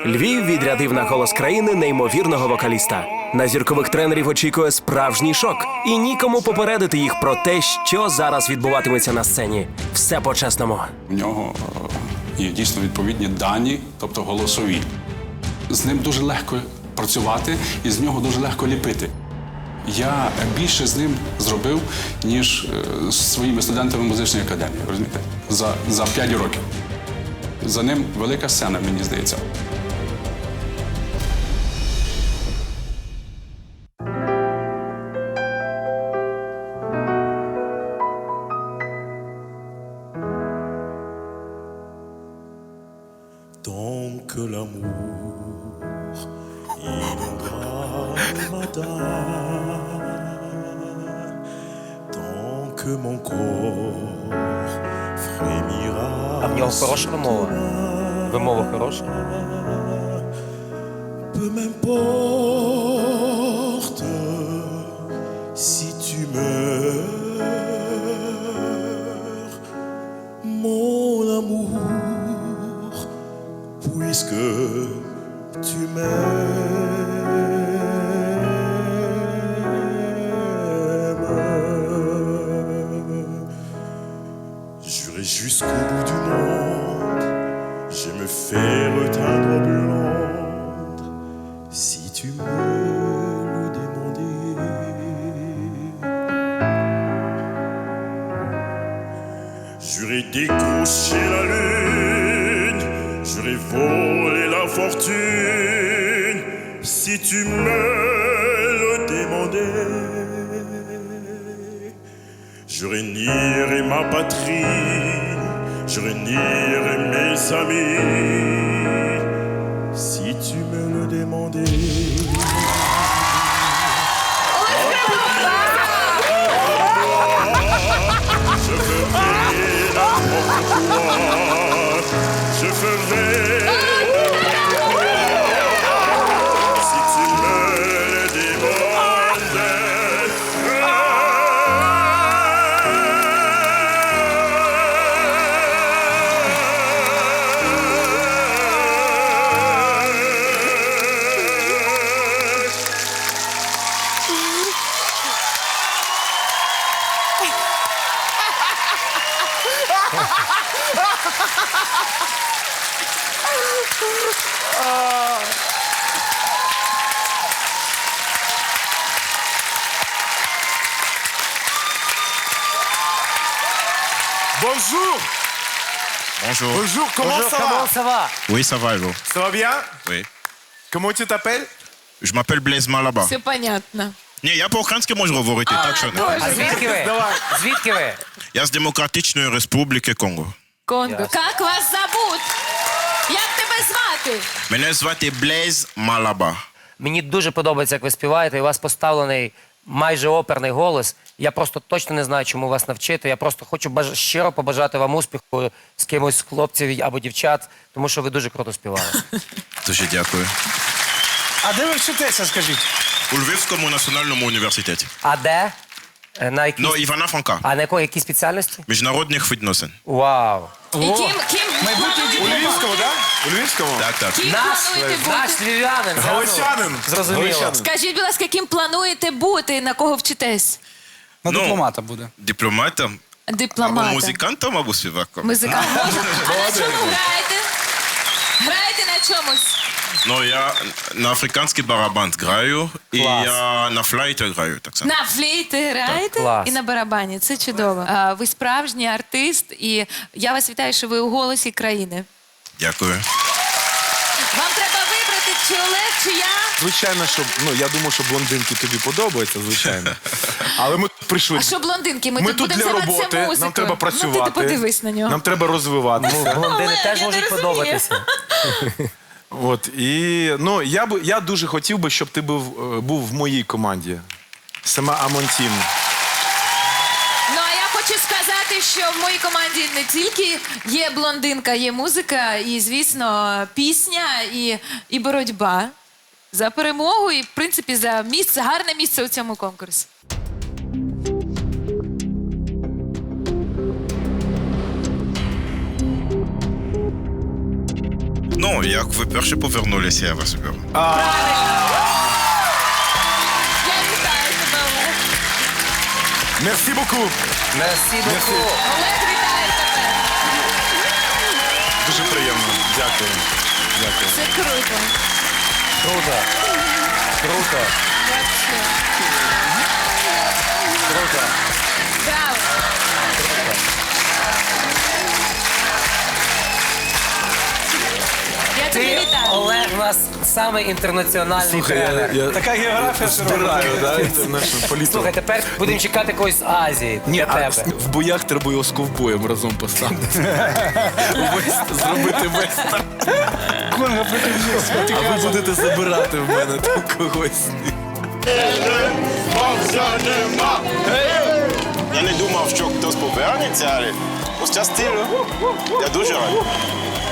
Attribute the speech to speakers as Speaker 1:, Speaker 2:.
Speaker 1: Львів відрядив на «Голос країни» неймовірного вокаліста. На зіркових тренерів очікує справжній шок. І нікому попередити їх про те, що зараз відбуватиметься на сцені. Все по-чесному.
Speaker 2: У нього є дійсно відповідні дані, тобто голосові. З ним дуже легко працювати і з нього дуже легко ліпити. Я більше з ним зробив, ніж з своїми студентами музичної академії, розумієте? За 5 років. За ним велика сцена, мені здається.
Speaker 3: Tant que l'amour inondera le matin, tant que mon corps frémira.
Speaker 4: А в нього хороша вимова? Вимова хороша?
Speaker 3: Peu m'importe si tu meurs, mon amour, puisque tu m'aimes. J'irai jusqu'au bout du monde, je me fais reteindre blonde, si tu me le demandais. J'aurais décroché la lune, j'aurais volé la fortune, si tu me le demandais. J'aurais nié ma patrie, j'aurais nié mes amis, si tu me le demandais. Je ferai n'importe quoi, je ferai si tu me le
Speaker 5: Bonjour.
Speaker 6: Bonjour.
Speaker 5: Bonjour, comment
Speaker 4: Bonjour,
Speaker 5: ça
Speaker 4: comment
Speaker 5: va?
Speaker 4: ça va?
Speaker 6: Oui, ça va, et vous?
Speaker 5: Ça va bien?
Speaker 6: Oui.
Speaker 5: Comment tu t'appelles?
Speaker 6: Je m'appelle Blaise Malaba.
Speaker 7: Все понятно.
Speaker 6: Ні, я по-українськи можу говорити, так що не.
Speaker 4: А звідки ви?
Speaker 5: Давай.
Speaker 4: Звідки ви?
Speaker 6: Я з Демократичної Республіки Конго.
Speaker 7: Конго. Як вас зовут? Як тебе звати?
Speaker 6: Мене звати Блейз Малаба.
Speaker 4: Мені дуже подобається, як ви співаєте, і у вас поставлений майже оперний голос. Я просто точно не знаю, чому вас навчити. Я просто хочу щиро побажати вам успіху з кимось з хлопців або дівчат, тому що ви дуже круто співали.
Speaker 6: Дуже дякую.
Speaker 5: А де ви вчитеся, скажіть?
Speaker 6: У Львівському національному університеті.
Speaker 4: А де? На якій...
Speaker 6: Ну, Івана Франка.
Speaker 4: А на якій спеціальності?
Speaker 6: Міжнародних відносин.
Speaker 4: Вау!
Speaker 7: І ким
Speaker 5: У
Speaker 7: плануєте
Speaker 5: Львівському, так? У Львівському?
Speaker 6: Так, так.
Speaker 7: Ким плануєте
Speaker 4: Наш
Speaker 7: бути?
Speaker 4: львів'янин. зразу
Speaker 5: Галичанин.
Speaker 4: Зрозуміло.
Speaker 5: Галичанин.
Speaker 7: Скажіть, будь ласка, ким плануєте бути, на кого вчитесь?
Speaker 8: На
Speaker 6: Ну,
Speaker 8: дипломата буде.
Speaker 6: Дипломатом, або
Speaker 7: Дипломатом.
Speaker 6: музикантом, або співаком.
Speaker 7: Музикант. А на чому граєте? Граєте на чомусь?
Speaker 6: Ну, я на африканський барабан граю, і
Speaker 4: Клас.
Speaker 6: я на флейті граю так само.
Speaker 7: На флейті граєте
Speaker 4: клас.
Speaker 7: і на барабані. Це чудово. Ви справжній артист, і я вас вітаю, що ви у «Голосі країни».
Speaker 6: Дякую.
Speaker 7: Вам треба вибрати, чи Олег, чи я.
Speaker 5: Звичайно, що, я думаю, що блондинки тобі подобаються, звичайно. Але ми прийшли.
Speaker 7: А що блондинки? Ми
Speaker 5: Ми
Speaker 7: тут
Speaker 5: тут
Speaker 7: будемо
Speaker 5: для
Speaker 7: займатися
Speaker 5: роботи,
Speaker 7: музикою.
Speaker 5: нам треба
Speaker 7: Ну,
Speaker 5: працювати.
Speaker 7: ти подивись на нього.
Speaker 5: Нам треба розвиватися.
Speaker 4: Блондини
Speaker 7: Олег,
Speaker 4: теж
Speaker 7: я
Speaker 4: можуть
Speaker 7: не розумію.
Speaker 4: подобатися.
Speaker 5: От, і, я дуже хотів би, щоб ти був в моїй команді. Сама Амонтін.
Speaker 7: Ну, а я хочу сказати, що в моїй команді не тільки є блондинка, є музика, і, звісно, пісня, і боротьба за перемогу, і, в принципі, за місце, гарне місце у цьому конкурсі.
Speaker 6: Ну, Ну, як ви перші повернулися, я вас беру.
Speaker 7: Я вітаю тебе, Олег.
Speaker 5: Мерсі боку.
Speaker 4: Мерсі боку.
Speaker 7: Олег, вітаю тебе.
Speaker 5: Дуже приємно. Дякую. Дякую.
Speaker 7: Це круто.
Speaker 4: Круто. Круто.
Speaker 7: Вообще.
Speaker 4: Круто.
Speaker 7: Браво. Я тебе
Speaker 4: Ти,
Speaker 7: вітаю.
Speaker 4: Олег, у нас самий інтернаціональний тренер.
Speaker 5: Така географія збираю, да, інтернешнл політику.
Speaker 4: Слухай, тепер будемо чекати когось з Азії.
Speaker 5: Ні,
Speaker 4: для
Speaker 5: а
Speaker 4: тебе.
Speaker 5: в боях треба його з ковбоєм разом поставити. Зробити вестерн. А ви будете забирати в мене там когось.
Speaker 6: Я не думав, що хтось повернеться, але ось час стилю. Я дуже радий.